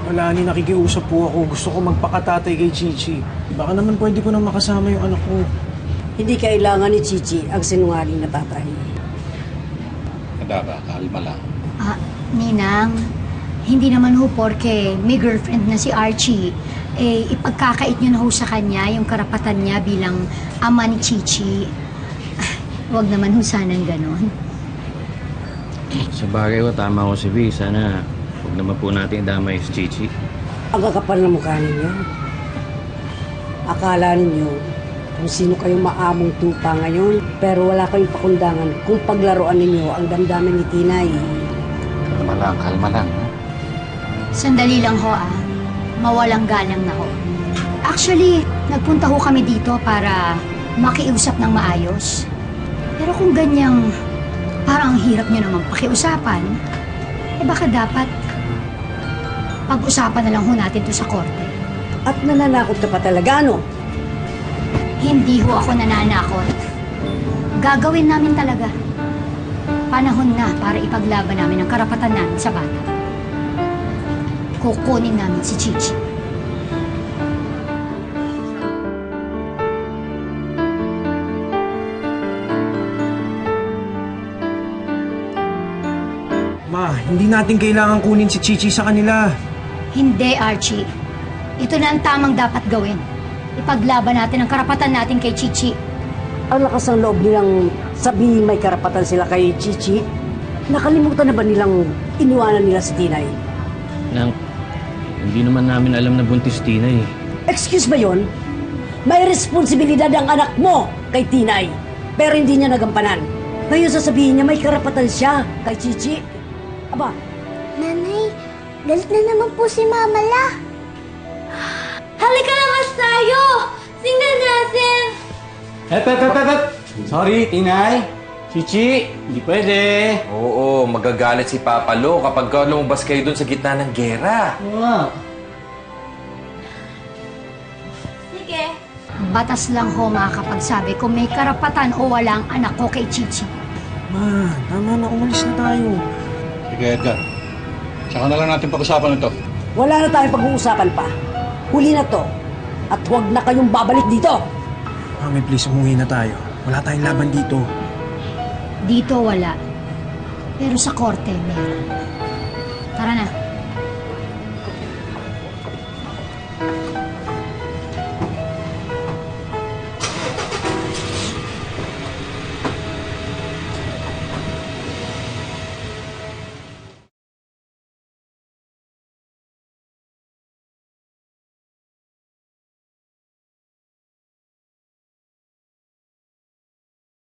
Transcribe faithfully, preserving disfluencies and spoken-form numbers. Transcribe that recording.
Wala, ni nakikiusap po ako. Gusto ko magpakatatay kay Chichi. Baka naman pwede ko na makasama yung anak ko. Hindi kailangan ni Chichi ang sinungaling na tatay. Kadaba, kalma lang. Ah, Ninang, hindi naman ho porke may girlfriend na si Archie, eh ipagkakait nyo na ho sa kanya yung karapatan niya bilang ama ni Chichi. Ah, huwag naman ho sanang ganon. Sa bagay ko, tama ko si V. Sana huwag naman po natin idamay si Chichi. Ang kakapal na mukha ninyo. Akala ninyo kung sino kayong maamong tupa ngayon, pero wala kayong pakundangan kung paglaruan ninyo ang damdamin ni Tinay. Kalma lang, kalma lang. Ha? Sandali lang ho ah, mawalang galang na ho. Actually, nagpunta ho kami dito para makiusap ng maayos. Pero kung ganyang parang ang hirap nyo naman pakiusapan, eh baka dapat pag-usapan na lang ho natin to sa korte. At nananakot ka pa talaga, ano? Hindi ho ako nananakot. Gagawin namin talaga. Panahon na para ipaglaban namin ang karapatan namin sa bata. Kukunin namin si Chichi. Ma, hindi natin kailangan kunin si Chichi sa kanila. Hindi, Archie. Ito na ang tamang dapat gawin. Ipaglaban natin ang karapatan natin kay Chichi. Ang lakas ng loob nilang sabihin may karapatan sila kay Chichi. Nakalimutan na ba nilang iniwanan nila si Tinay? Nang, hindi naman namin alam na buntis Tina eh. Excuse ba yon? May responsibilidad ang anak mo kay Tinay, pero hindi niya nagampanan. Ngayon sasabihin niya may karapatan siya kay Chichi. Aba, Nanay, galit na naman po si Mama La. Halika na mas tayo! Tingnan natin! Hep, hep, hep, hep! Sorry, Tinay. Chichi, hindi pwede. Oo, magagalit si Papa Lo kapag ka lumabas kayo dun sa gitna ng gera. Oo. Sige. Batas lang ho makakapagsabi kung may karapatan o wala ang anak ko kay Chichi. Ma, tama na, umalis na tayo. Sige, Edgar. Saka na lang natin pag-usapan ito. wala na tayong pag-uusapan pa. Huli na to. At huwag na kayong babalik dito. Mami, please, umuwi na tayo. Wala tayong laban dito. Dito wala. Pero sa korte, meron. Tara na.